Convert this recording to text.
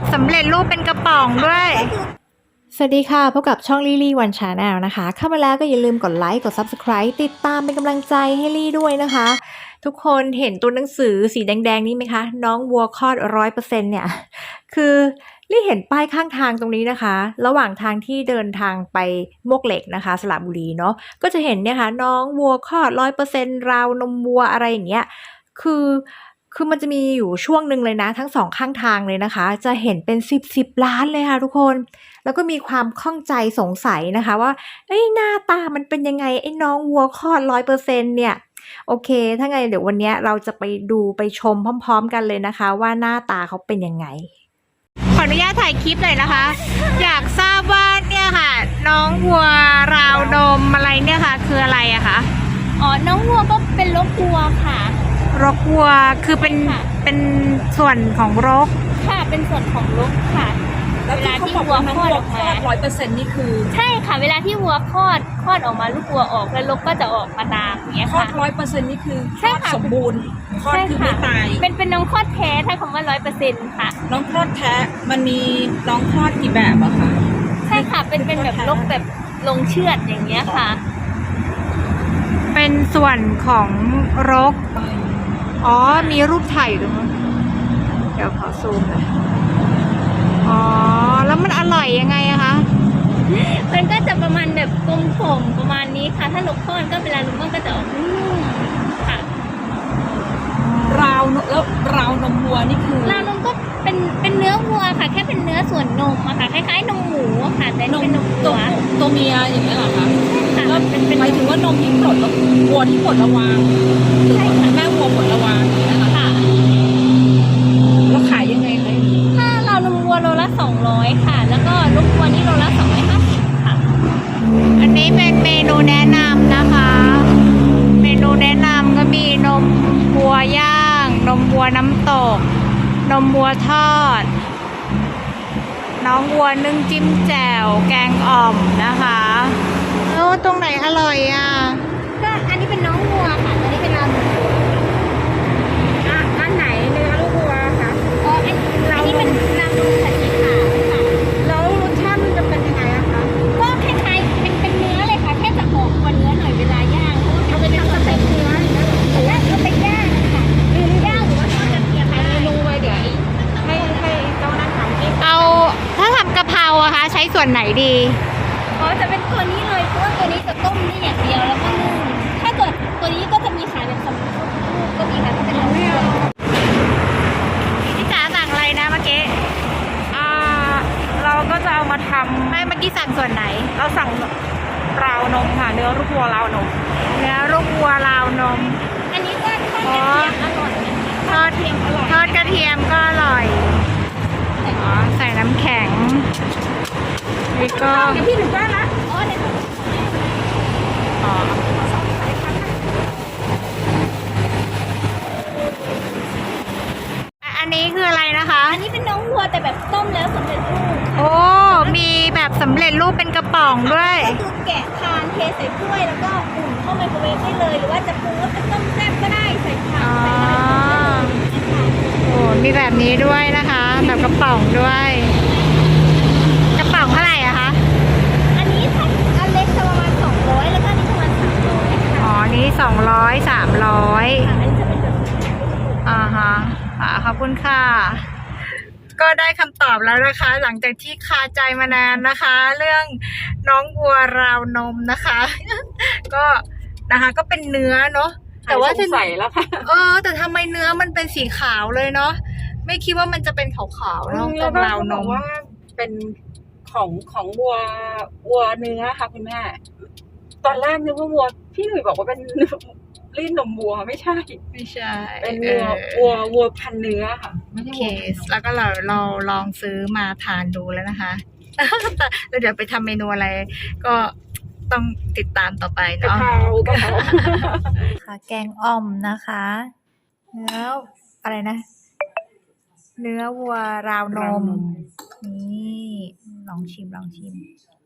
สำเร็จรูปเป็นกระป๋องด้วยสวัสดีค่ะพบกับช่องลี่ลี่วันชาแนลนะคะเข้ามาแล้วก็อย่าลืมกดไลค์กด Subscribe ติดตามเป็นกำลังใจให้ลี่ด้วยนะคะทุกคนเห็นตัวหนังสือสีแดงๆนี้ไหมคะน้องวัวคลอด100%เนี่ยคือลี่เห็นป้ายข้างทางตรงนี้นะคะระหว่างทางที่เดินทางไปมวกเหล็กนะคะสระบุรีเนาะก็จะเห็นเนี่ยค่ะน้องวัวคลอด100%ราวนมวัวอะไรอย่างเงี้ยคือมันจะมีอยู่ช่วงหนึ่งเลยนะทั้ง2ข้างทางเลยนะคะจะเห็นเป็น10ล้านเลยค่ะทุกคนแล้วก็มีความข้องใจสงสัยนะคะว่าหน้าตามันเป็นยังไงไอ้น้องวัวคลอด100%เนี่ยโอเคถ้าไงเดี๋ยววันนี้เราจะไปดูไปชมพร้อมๆกันเลยนะคะว่าหน้าตาเขาเป็นยังไงขออนุญาตถ่ายคลิปหน่อยนะคะอยากทราบว่าเนี่ยค่ะน้องวัวราวนมอะไรเนี่ยค่ะคืออะไรอะคะอ๋อน้องวัวก็เป็นรกวัวค่ะรกวัวคือเป็นส่วนของรกค่ะเป็นส่วนของรกค่ะเวลาที่วัวคลอดออกมา100%นี่คือใช่ค่ะเวลาที่วัวคลอดออกมาลูกวัวออกแล้วรกก็จะออกมาตามอย่างเงี้ยค่ะคลอด100%นี่คือคลอดสมบูรณ์คลอดคือไม่ตายเป็นน้องคลอดแท้ถ้าคำว่า100%ค่ะน้องคลอดแท้มันมีน้องคลอดกี่แบบอะคะใช่ค่ะเป็นแบบรกแบบลงเชือดอย่างเงี้ยค่ะเป็นส่วนของรกอ๋อมีรูปถ่ายอยู่ตรงนั้นเดี๋ยวขอซูมหน่อยอ๋อแล้วมันอร่อยยังไงอะคะมันก็จะประมาณแบบกลมๆประมาณนี้ค่ะถ้าลูกคลอดก็เวลาลูกมันก็จะออกนุ่มค่ะแล้วราวนมวัวนี่คือราวนมก็เป็นเนื้อวัวค่ะแค่เป็นเนื้อส่วนนมอะค่ะคล้ายๆนมหมูค่ะแต่นี่เป็นนมวัวตัวเมียอย่างเงี้ยเหรอคะใช่ค่ะแล้วหมายถึงว่านมที่ปลดแล้ววัวที่ปลดระวางใช่ค่ะแม่วัวปลดระวางค่ะแล้วขายยังไงคะถ้าราวนมวัวโลละ200ค่ะแล้วก็ลูกวัวนี่โลละ250ค่ะอันนี้เป็นเมนูแนะนำนะคะเมนูแนะนำก็มีนมวัวย่างนมวัวน้ำตกนมวัวทอดน้องวัวนึ่งจิ้มแจ่วแกงอ่อมนะคะตรงไหนอร่อยอ่ะก็อันนี้เป็นน้องวัวค่ะอันนี้เป็นราวนมวัวอันไหนเนื้อลูกวัวคะอ๋ออันนี้เป็นราวนมสีขาวค่ะแล้วรสชาติมันจะเป็นยังไงอะคะก็คล้ายๆเป็นเนื้อเลยค่ะแค่จะหอมกว่าเนื้อหน่อยเวลาย่างเอาไปทำสเต็กเนื้อแต่ว่าเอาไปย่างค่ะย่างหรือว่าทอดกระเทียมเมนูไว้เดี๋ยวให้เจ้าหน้าที่เอาถ้าทำกะเพราอะคะใช้ส่วนไหนดีอ๋อจะเป็นตัวนี้เลยเพราะว่าตัวนี้จะต้มนี่อย่างเดียวแล้วก็นึ่งถ้าเกิดตัวนี้ก็จะมีขายเป็นสำเร็จรูปก็มีค่ะถ้าเป็นเราไม่เอาพี่จ๋าสั่งอะไรนะเมื่อกี้เราก็จะเอามาทำไม่เมื่อกี้สั่งส่วนไหนเราสั่งราวนมค่ะเนื้อลูกวัวราวนมเนื้อลูกวัวราวนมอันนี้ก็ทอดกระเทียมอร่อยทอดกระเทียมก็อร่อยใส่น้ำแข็งนี่ก็พี่หนึ่งได้ละอ๋อเดี๋ยวอันนี้คืออะไรนะคะอันนี้เป็นน้องวัวแต่แบบต้มแล้วสำเร็จรูปโอ้มีแบบสำเร็จรูปเป็นกระป๋องด้วยก็คือแกะทานเทใส่ถ้วยแล้วก็อุ่นเข้าไมโครเวฟได้เลยหรือว่าจะปรุงว่าเป็นต้มแซ่บก็ได้ใส่ผักใส่อะไรโอ้มีแบบนี้ด้วยนะคะแบบกระป๋องด้วยกระป๋องเท่าไหร่อะคะอันนี้ถ้าอันเล็กจะประมาณ200แล้วก็อันนี้ประมาณ300 อ๋อนี้200 300 อันนี้จะเป็นแบบฮะขอบคุณค่ะก็ได้คำตอบแล้วนะคะ หลังจากที่คาใจมานานนะคะ เรื่องน้องวัวราวนมนะคะก็นะคะก็เป็นเนื้อเนาะแต่ว่าใส่แล้วค่ะแต่ทำไมเนื้อมันเป็นสีขาวเลยเนาะไม่คิดว่ามันจะเป็นขาวๆเนาะเป็นราวนมว่าเป็นของวัวเนื้อค่ะคุณแม่ตอนแรกนึกว่าวัวพี่หนุ่ยบอกว่าเป็นรีดนมวัวไม่ใช่เป็นวัวพันเนื้อค่ะไม่ใช่วัวแล้วก็เราลองซื้อมาทานดูแล้วนะคะแล้วเดี๋ยวไปทำเมนูอะไรก็ต้องติดตามต่อไปเนาะค่ะแกงอ่อมนะคะเนื้ออะไรนะเนื้อวัวราวนมนี่ลองชิม